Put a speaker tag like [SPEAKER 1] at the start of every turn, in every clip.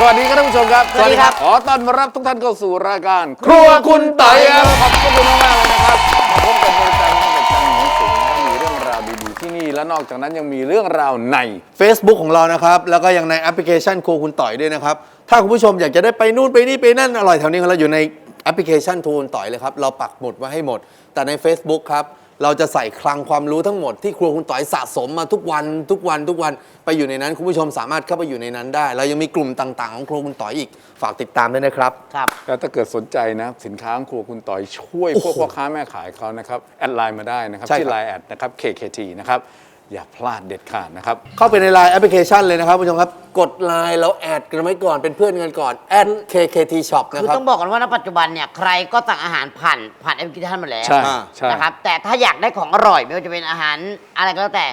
[SPEAKER 1] สวัสดีครับท่านผู้ชมครับ
[SPEAKER 2] สวัสดีครับ
[SPEAKER 1] ขอต้อนรับทุกท่านเข้าสู่รายการครัวคุณต่อยครับขอบคุณมากๆเลยนะครับมาพบกันเป็นประจำตั้งแต่จันทร์ถึงศุกร์มีเรื่องราวดีๆที่นี่และนอกจากนั้นยังมีเรื่องราวใน
[SPEAKER 3] Facebook ของเรานะครับแล้วก็ยังในแอปพลิเคชันครัวคุณต่อยด้วยนะครับถ้าคุณผู้ชมอยากจะได้ไปนู่นไปนี่ไปนั่นอร่อยแถวนี้ของเราอยู่ในแอปพลิเคชันครัวคุณต่อยเลยครับเราปักหมุดไว้ให้หมดแต่ใน Facebook ครับเราจะใส่คลังความรู้ทั้งหมดที่ครัวคุณต่อยสะสมมาทุกวันไปอยู่ในนั้นคุณผู้ชมสามารถเข้าไปอยู่ในนั้นได้เรายังมีกลุ่มต่างๆของครัวคุณต่อยอีกฝากติดตามด้วยนะครับ
[SPEAKER 2] ครับ
[SPEAKER 1] แล้วถ้าเกิดสนใจนะสินค้าของครัวคุณต่อยช่วยพวกพ่อค้าแม่ขายเขานะครับแอดไลน์มาได้นะครับ
[SPEAKER 3] ใช่ครับ
[SPEAKER 1] ที่ไลน์แอดนะครับ KKT นะครับอย่าพลาดเด็ดขาดนะครับ
[SPEAKER 3] เข้าไปใน Line แอปพลิเคชันเลยนะครับคุณผู้ชมครับกด Line แล้วแอดกันไว้ก่อนเป็นเพื่อนกันก่อนแอด KKT Shop นะ
[SPEAKER 2] คือ
[SPEAKER 3] ครับ
[SPEAKER 2] ต้องบอกกันว่าณปัจจุบันเนี่ยใครก็สั่งอาหารผ่านแอปพลิเคชันมาแล้ว
[SPEAKER 1] ใช่ใช่
[SPEAKER 2] นะครับแต่ถ้าอยากได้ของอร่อยไม่ว่าจะเป็นอาหารอะไรก็แล้วแต่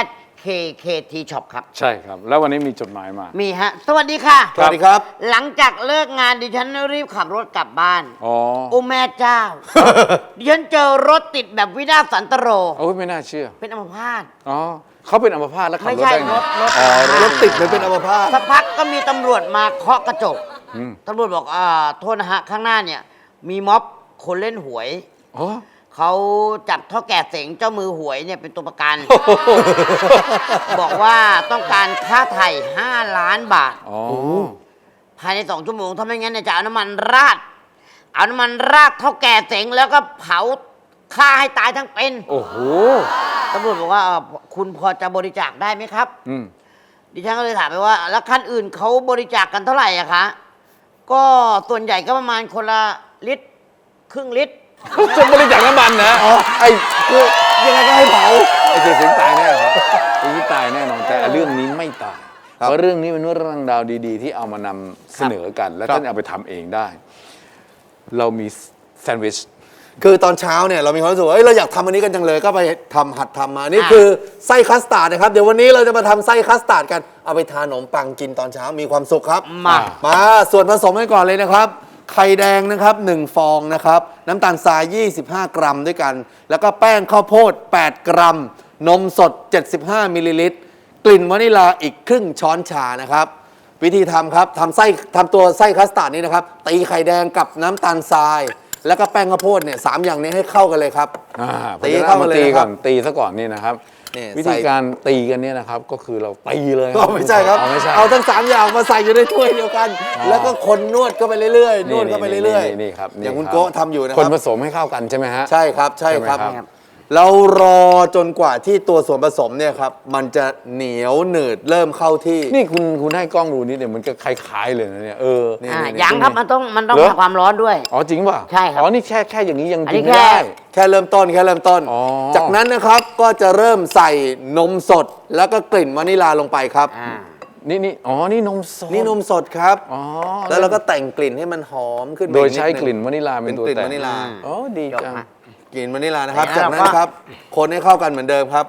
[SPEAKER 2] @KKT Shop ครับ
[SPEAKER 1] ใช่ครับ แล้ววันนี้มีจดหมายมา
[SPEAKER 2] มีฮะ สวัสดีค่ะ
[SPEAKER 3] สวัสดีครับ
[SPEAKER 2] หลังจากเลิกงานดิฉันรีบขับรถกลับบ้าน
[SPEAKER 1] อ๋อ
[SPEAKER 2] โอ้แม่เจ้า ดิฉันเจอรถติดแบบวินาศสันตโร
[SPEAKER 1] โอ้ยไม่น่าเชื่อ
[SPEAKER 2] เป็นอัมพาต
[SPEAKER 1] อ๋อเขาเป็นอัมพาตแล้วขับ
[SPEAKER 2] ไม่
[SPEAKER 1] รถ
[SPEAKER 2] ใช่
[SPEAKER 1] ได้ไง
[SPEAKER 2] รถ
[SPEAKER 1] อ๋อ
[SPEAKER 3] รถติดเลยเป็นอัมพาต
[SPEAKER 2] สักพักก็มีตำรวจมาเคาะกระจก
[SPEAKER 1] อืม
[SPEAKER 2] ตำรวจบอกโทษนะฮะ ข้างหน้าเนี่ย มีม็อบคนเล่นหวย
[SPEAKER 1] อ๋อ
[SPEAKER 2] เขาจับเท่าแก่เสงเจ้ามือหวยเนี่ยเป็นตัวประกัน บอกว่าต้องการค่าไถ่5 ล้านบาท
[SPEAKER 1] อ๋อ
[SPEAKER 2] ภายใน2 ชั่วโมง ถ้าไม่งั้นเนี่ยจะเอาน้ำมันราดเท่าแก่เสงแล้วก็เผาฆ่าให้ตายทั้งเป็น
[SPEAKER 1] โอ้โห
[SPEAKER 2] ตำรวจบอกว่าคุณพอจะบริจาคได้ไหมครับ
[SPEAKER 1] อืม
[SPEAKER 2] ดิฉันก็เลยถามไปว่า แล้วคันอื่นเขาบริจาคกันเท่าไหร่อะคะ ก็ส่วนใหญ่ก็ประมาณคนละลิตรครึ่งลิตร
[SPEAKER 1] จะบริจาคน้ำมันนะไอ้กู
[SPEAKER 3] ยังไงก็ให้เผา
[SPEAKER 1] ไอ้เสียสิงตายแน่ครับไอ้นี่ตายแน่นอนแต่เรื่องนี้ไม่ตาย
[SPEAKER 3] ครับ
[SPEAKER 1] เพราะเรื่องนี้เป็นเรื่องราวดีๆ ที่เอามานำเสนอกัน และ
[SPEAKER 3] ครับ
[SPEAKER 1] ท่านเอาไปทำเองได้ เรามีแซนด์วิช
[SPEAKER 3] คือตอนเช้าเนี่ยเรามีความรู้สึกว่าเราอยากทำอันนี้กันจังเลยก็ไปหัดทำมานี่คือไส้คัสตาร์ดนะครับเดี๋ยววันนี้เราจะมาทำไส้คัสตาร์ดกันเอาไปทานขนมปังกินตอนเช้ามีความสุขครับ มาส่วนผสมกันก่อนเลยนะครับไข่แดงนะครับ1ฟองนะครับน้ำตาลทราย25 กรัมด้วยกัน แล้วก็แป้งข้าวโพด8 กรัม นมสด75มิลลิลิตรกลิ่นวานิลาอีกครึ่งช้อนชานะครับวิธีทำครับทำตัวไส้คัสตาร์ดนี้นะครับตีไข่แดงกับน้ำตาลทราย แล้วก็แป้งข้าวโพดเนี่ย3 อย่างนี้ให้เข้ากันเลยครับ ตีเข้ามาเลย
[SPEAKER 1] ตี
[SPEAKER 3] นะค
[SPEAKER 1] ก่
[SPEAKER 3] รั
[SPEAKER 1] อบ นตีซะก่อนนี่นะครับ
[SPEAKER 3] นี่
[SPEAKER 1] วิธีการตีกันเนี่ยนะครับก็คือเราตีเลย
[SPEAKER 3] ก็ไม่ใช่ครับ
[SPEAKER 1] ไม่ใช่
[SPEAKER 3] เอาทั้ง3อย่างมาใส่อยู่ในถ้วยเดียวกัน แล้วก็คนนวดก็ไปเรื่อยๆนวดก็ไปเรื่อย
[SPEAKER 1] นี่ครับ
[SPEAKER 3] อย่างคุณ
[SPEAKER 1] รับ
[SPEAKER 3] โก้ทำอยู่นะค
[SPEAKER 1] คน
[SPEAKER 3] รับ
[SPEAKER 1] ผสมให้เข้ากันใช่ไหมฮะ
[SPEAKER 3] ใช่ครับใช่ครับ
[SPEAKER 1] ใช่ไหมครับ
[SPEAKER 3] เรารอจนกว่าที่ตัวส่วนผสมเนี่ยครับมันจะเหนียวหนืดเริ่มเข้าที่
[SPEAKER 1] นี่คุณให้กล้องดูนิดเดี๋ยวมันก็คล้ายๆเลยนะเนี่ย
[SPEAKER 3] นี่
[SPEAKER 2] ยังครับมันต้อง
[SPEAKER 1] เหรอ
[SPEAKER 2] ทำความร้อนด้วย
[SPEAKER 1] อ๋อจริงป่ะ
[SPEAKER 2] ใช่ครับ
[SPEAKER 1] อ๋อนี่แค่อย่างนี้ยัง
[SPEAKER 2] อันนี้
[SPEAKER 1] กินไม่ได้
[SPEAKER 3] แค่เริ่มต้น
[SPEAKER 1] อ๋อ
[SPEAKER 3] จากนั้นนะครับก็จะเริ่มใส่นมสดแล้วก็กลิ่นวานิลาลงไปครับ
[SPEAKER 1] นี่อ๋อนี่นมสด
[SPEAKER 3] นี่นมสดครับ
[SPEAKER 1] อ๋อ
[SPEAKER 3] แล้วเราก็แต่งกลิ่นให้มันหอมขึ้นมา
[SPEAKER 1] โดย
[SPEAKER 3] อี
[SPEAKER 1] ใช้
[SPEAKER 3] ดง
[SPEAKER 1] กลิ่นวานิลาเป็นตัว
[SPEAKER 3] เป็นกลิ่น
[SPEAKER 1] แต่ง
[SPEAKER 3] วานิลา
[SPEAKER 1] อ๋อดีจัง
[SPEAKER 3] กลิ่นวานิลานะครับ
[SPEAKER 2] แล้ว
[SPEAKER 3] จากนั้น
[SPEAKER 2] ก็
[SPEAKER 3] ครับคนให้เข้ากันเหมือนเดิมครับ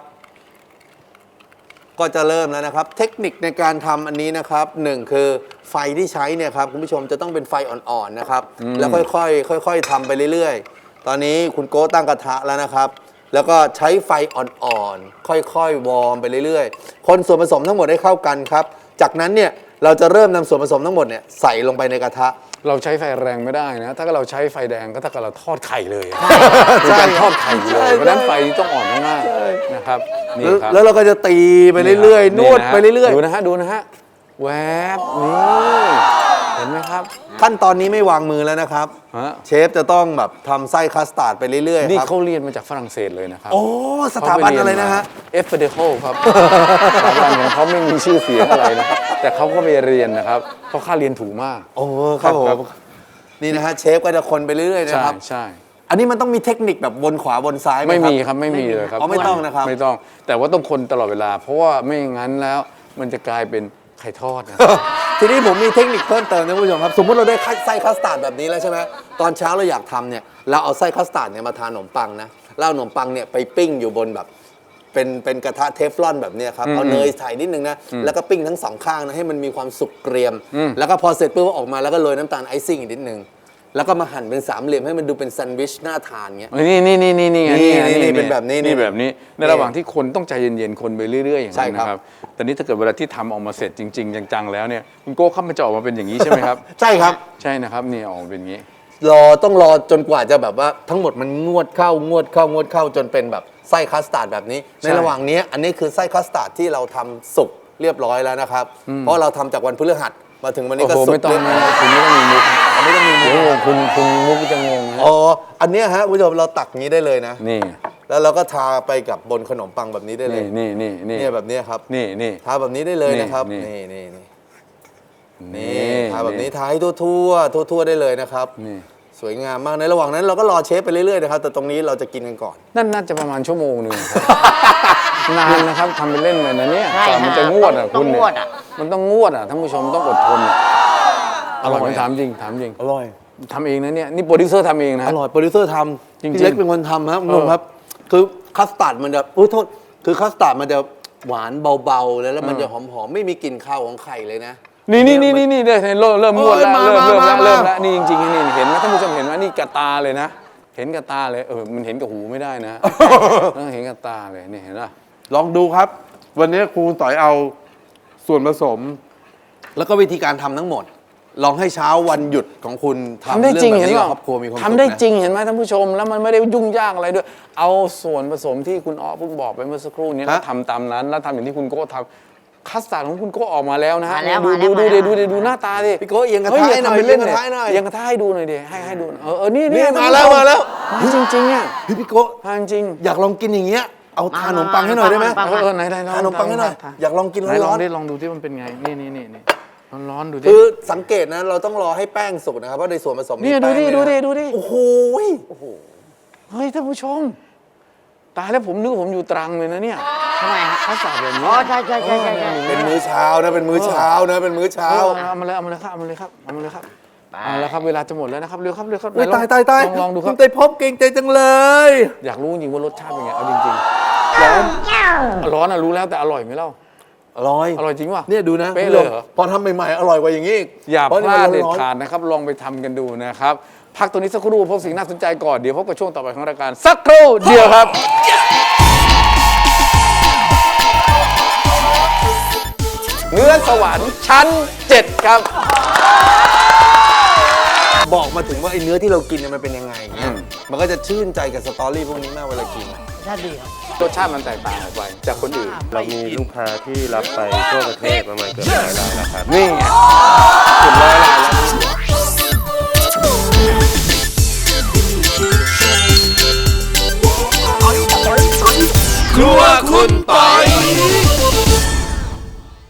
[SPEAKER 3] ก็จะเริ่มแล้วนะครับ เทคนิคในการทำอันนี้นะครับหนึ่งคือไฟที่ใช้เนี่ยครับคุณผู้ชมจะต้องเป็นไฟอ่อนๆนะครับแล้วค่อยๆทำไปเรื่อยๆ ตอนนี้คุณโก้ตั้งกระทะแล้วนะครับ แล้วก็ใช้ไฟอ่อนๆค่อยๆวอร์มไปเรื่อยๆคนส่วนผสมทั้งหมดให้เข้ากันครับจากนั้นเนี่ยเราจะเริ่มนำส่วนผสมทั้งหมดเนี่ยใส่ลงไปในกระทะ
[SPEAKER 1] เราใช้ไฟแรงไม่ได้นะ ถ้าเราใช้ไฟแดงก็ถ้ากับเราทอดไข่เลยเป็นการทอดไข่เล
[SPEAKER 3] ใช่
[SPEAKER 1] ย เพราะฉะนั้นไฟต้องอ่อนมากๆนะครับนี่ครับ
[SPEAKER 3] แล้วเราก็จะตีไปเรื่อยๆนวดไปเรื่อย
[SPEAKER 1] ดูนะฮะดูนะฮะแวบนี่เห็นไหมครับ
[SPEAKER 3] ๆขั้นตอนนี้ไม่วางมือแล้วนะครับ
[SPEAKER 1] ฮะ
[SPEAKER 3] เชฟจะต้องแบบทำไส้คัสตาร์ดไปเรื่อยๆ
[SPEAKER 1] นี่
[SPEAKER 3] ครับ
[SPEAKER 1] เขาเรียนมาจากฝรั่งเศสเลยนะครับ
[SPEAKER 3] โอ้สถาบันอะไรนะฮะ
[SPEAKER 1] เอฟเฟเดโคครับ สถาบันของเขาไม่มีชื่อเสียงอะไรนะครับแต่เขาก็ไปเรียนนะครับเพราะค่าเรียนถูกมาก
[SPEAKER 3] โอ้ครับผ
[SPEAKER 1] ครั
[SPEAKER 3] ม
[SPEAKER 1] บ
[SPEAKER 3] นี่นะฮะเชฟก็จะคนไปเรื่อยๆ
[SPEAKER 1] ใช่
[SPEAKER 3] นะครับ
[SPEAKER 1] ใช่
[SPEAKER 3] อันนี้มันต้องมีเทคนิคแบบวนขวาวนซ้ายไหม
[SPEAKER 1] ไม่มี
[SPEAKER 3] ครับ
[SPEAKER 1] ไม่มีเลยครับ
[SPEAKER 3] อ๋อไม่ต้องนะครับ
[SPEAKER 1] ไม่ต้อง แต่ว่าต้องคนตลอดเวลา เพราะว่าไม่งั้นแล้วมันจะกลายเป็นไข่ทอดนะ
[SPEAKER 3] ทีนี้ผมมีเทคนิคเพิ่มเติมนะคุณผู้ชมครับ สมมุติเราได้ไส้คัสตาร์ดแบบนี้แล้วใช่ไหมตอนเช้าเราอยากทำเนี่ยเราเอาไส้คัสตาร์ดเนี่ยมาทานขนมปังนะแล้วเอาขนมปังเนี่ยไปปิ้งอยู่บนแบบเป็นกระทะเทฟลอนแบบเนี้ยครับเอาเนยใส่นิดนึงนะแล้วก็ปิ้งทั้งสองข้างนะให้มันมีความสุกเกรียม แล้วก็พอเสร็จปุ๊บก็ออกมาแล้วก็โรยน้ำตาลไอซิ่งอีกนิดนึงแล้วก็มาหั่นเป็นสามเหลี่ยมให้มันดูเป็นแซนด์วิชน่าทานเงี้ย
[SPEAKER 1] นี่ไง
[SPEAKER 3] นี่เป็นแบบนี้
[SPEAKER 1] นี่แบบนี้ในระหว่างที่คนต้องใจเย็นๆคนไปเรื่อยๆอย่าง
[SPEAKER 3] ใช่
[SPEAKER 1] นั้น
[SPEAKER 3] ครับ
[SPEAKER 1] นะครับแต่นี้ถ้าเกิดเวลาที่ทำออกมาเสร็จจริงๆจังๆแล้วเนี่ยคุณโก้ครับมันจะออกมาเป็นอย่างนี้ใช่ไหมครับ
[SPEAKER 3] ใช่ครับ
[SPEAKER 1] ใช่นะครับนี่ออกมาเป็นอย่างนี้
[SPEAKER 3] ต้องรอจนกว่าจะแบบว่าทั้งหมดมันงวดเข้จนเป็นแบบไส้คัสตาร์ดแบบนี้ ในระหว่างนี้อันนี้คือไส้คัสตาร์ดที่เราทำสุกเรียบร้อยแล้วนะครับ เพราะเราทำจากวันพฤหัสมาถึงวันนี้
[SPEAKER 1] โอ้
[SPEAKER 3] ก็
[SPEAKER 1] โห
[SPEAKER 3] สุก
[SPEAKER 1] ไม่ต้อง
[SPEAKER 3] เรียบร้
[SPEAKER 1] นะ
[SPEAKER 3] อย
[SPEAKER 1] คุณไม่ต้องมีมุก
[SPEAKER 3] ไม่ต้องมีมุก
[SPEAKER 1] โอ้โหคุณมุกจะงงนะ
[SPEAKER 3] อ๋ออันเนี้ยฮะคุณผู้ชมเราตักอย่างนี้ได้เลยนะ
[SPEAKER 1] นี่
[SPEAKER 3] แล้วเราก็ทาไปกับบนขนมปังแบบนี้ได้เลย
[SPEAKER 1] นี่
[SPEAKER 3] เนี่ยแบบนี้ครับ
[SPEAKER 1] นี่
[SPEAKER 3] ทาแบบนี้ได้เลยนะครับ
[SPEAKER 1] นี่
[SPEAKER 3] นี่ทาแบบนี้ทาให้ทั่วได้เลยนะครับ
[SPEAKER 1] นี่
[SPEAKER 3] สวยงามมากในระหว่างนั้นเราก็รอเชฟไปเรื่อยๆนะครับแต่ตรงนี้เราจะกินกันก่อน
[SPEAKER 1] นั่นน่าจะประมาณชั่วโมงหนึ่งครับ นานนะครับทำเป็นเล่นไปนะเนี่ย
[SPEAKER 2] ใช่
[SPEAKER 1] กว่ามันจะงวดอ่ะ
[SPEAKER 2] ต้
[SPEAKER 1] คุ
[SPEAKER 2] อง
[SPEAKER 1] ณเนี่
[SPEAKER 2] งวด
[SPEAKER 1] ย
[SPEAKER 2] อ่ะ
[SPEAKER 1] มันต้องงวดอ่ะท่านผู้ชมต้องอดทนอะอร่อยไหมถามจริง
[SPEAKER 3] อร่อย
[SPEAKER 1] ทำเองนะเนี่ยนี่โปรดิวเซอร์ทำเองนะ
[SPEAKER 3] อร่อยโปรดิวเซอร์ท
[SPEAKER 1] จริงๆ
[SPEAKER 3] ำพี่เล็กเป็นคนทำครับคุณผู้ชมครับ คือคัสตาร์ดมันจะอุ้ยโทษคือคัสตาร์ดมันจะหวานเบาๆแล้วมันจะหอมๆไม่มีกลิ่นข้าวของไข่เลยนะ
[SPEAKER 1] นี่เริ่มงวดแล้ว
[SPEAKER 3] เอ้ย
[SPEAKER 1] เริ่ม
[SPEAKER 3] มา
[SPEAKER 1] แล้วนี่จริงๆนี่เห็นไหมท่านผู้ชมเห็นไหมนี่กระตาเลยนะ เห็นกระตาเลยมันเห็นกับหูไม่ได้นะเห็นกระตาเลยนี่เห็นป่ะ
[SPEAKER 4] ลองดูครับ วันนี้ครูต่อยเอาส่วนผสม
[SPEAKER 3] แล้วก็วิธีการทำทั้งหมด ลองให้เช้าวันหยุดของคุณทำ
[SPEAKER 1] ทำได้จริง
[SPEAKER 3] เอ
[SPEAKER 1] เห็น
[SPEAKER 3] แบบ
[SPEAKER 1] ป่ะ
[SPEAKER 3] กับครอบครัวมีความสุข
[SPEAKER 1] ทำได้
[SPEAKER 3] นะ
[SPEAKER 1] จริงเห็นไหมท่านผู้ชมแล้วมันไม่ได้ยุ่งยากอะไรด้วย เอาส่วนผสมที่คุณอ้อเพิ่งบอกไปเมื่อสักครู่นี้แล้วทำตามนั้นแล้วทำอย่างที่คุณโก้ทำคัสตาร์ดของคุณโก้ออกมาแล้วนะฮะ
[SPEAKER 2] มาแล้ว
[SPEAKER 1] ดูหน้าตาดิ
[SPEAKER 3] พี่โก้เอียงกระ
[SPEAKER 1] เฮ้ย
[SPEAKER 3] ทะ
[SPEAKER 1] อย่า
[SPEAKER 3] ให้หน่อย
[SPEAKER 1] ทำเป็นเล่น
[SPEAKER 3] เอียงก
[SPEAKER 1] เนี่ย
[SPEAKER 3] ระทะให้หน่อย
[SPEAKER 1] เอียงกระทะให้ดูหน่อยดิให้ดูหน่อยนี่
[SPEAKER 3] นี่
[SPEAKER 1] ท่น
[SPEAKER 3] มา
[SPEAKER 1] ผู้ช
[SPEAKER 3] แล้วมาแล้ว
[SPEAKER 1] มาจริงๆอ่ะ
[SPEAKER 3] พี่โก้
[SPEAKER 1] มาจริง
[SPEAKER 3] อยากลองกินอย่างเงี้ยเอาทานขนมปังให้หน่อยได้ไหม
[SPEAKER 2] ปัง
[SPEAKER 1] ไหนลอง
[SPEAKER 3] ทานขนมปังให้หน่อยอยากลองกิน
[SPEAKER 1] ไหนล
[SPEAKER 3] ร้
[SPEAKER 1] อ
[SPEAKER 3] อง น
[SPEAKER 1] ดิลองดูที่มันเป็นไงนี่ร้อนๆดูดิ
[SPEAKER 3] คือสังเกตนะเราต้องรอให้แป้งสุกนะครับเพราะในส่วนผสมมี
[SPEAKER 1] เนี่ย
[SPEAKER 3] แป้ง
[SPEAKER 1] ดูดิ
[SPEAKER 3] ด้วยนะโอ้โห
[SPEAKER 1] เฮ้ยท่านผู้ชมตายแล้วผมนึกว่าผมอยู่ตรังเลยนะเนี่ย
[SPEAKER 2] ทำไมฮะ
[SPEAKER 1] คัสตาร์ดแบบนี้
[SPEAKER 2] อ๋อใช่
[SPEAKER 3] เป็นมื้อเช้านะเป็นมื้อเช้านะเป็นมื้อเช้า
[SPEAKER 1] เอามาเลยครับเอาแล้วครับเวลาจะหมดแล้วนะครับเร็วครับ
[SPEAKER 3] อุ้ย
[SPEAKER 1] ไหน
[SPEAKER 3] ตาย
[SPEAKER 1] ลองดูครับ
[SPEAKER 3] ณไตรภพเก่งใจจังเลย
[SPEAKER 1] อยากรู้จริงๆว่ารสชาติเป็นไงเอาจริงๆร้อนอ่ะรู้แล้วแต่อร่อยไหมเล่า
[SPEAKER 3] อร่อย
[SPEAKER 1] อร่อยจริงป่ะ
[SPEAKER 3] เนี่ยดูนะ
[SPEAKER 1] เป๊ะเลยเหรอ
[SPEAKER 3] พอทำใหม่ๆอร่อยกว่าอย่างนี้อีก
[SPEAKER 1] อย่า
[SPEAKER 3] พระ
[SPEAKER 1] พลาด
[SPEAKER 3] นี่
[SPEAKER 1] เด็ด
[SPEAKER 3] มันร้อน
[SPEAKER 1] ขาดนะครับลองไปทำกันดูนะครับพักตัวนี้สักครู่พบสิ่งน่าสนใจก่อนเดี๋ยวพบกับช่วงต่อไปของรายการสักครู่เดียวครับ เนื้อสวรรค์ชั้น 7 ครับ
[SPEAKER 3] บอกมาถึงว่าไอ้เนื้อที่เรากินเนี่ยมันเป็นยังไงเนี่ยมันก็จะชื่นใจกับสตอรี่พวกนี้มากเวลากิน
[SPEAKER 2] ชาติดีครับ
[SPEAKER 1] รสชาติมันแตกต่างออกไปจากคนอื่น
[SPEAKER 5] เรามีลูกค้าที่รับไปทั่วประเทศประมาณเกือบ100 รายแล้วครับ
[SPEAKER 1] นี่ไงเกือบ100 รายแล้ว
[SPEAKER 3] ครัวคุณปอย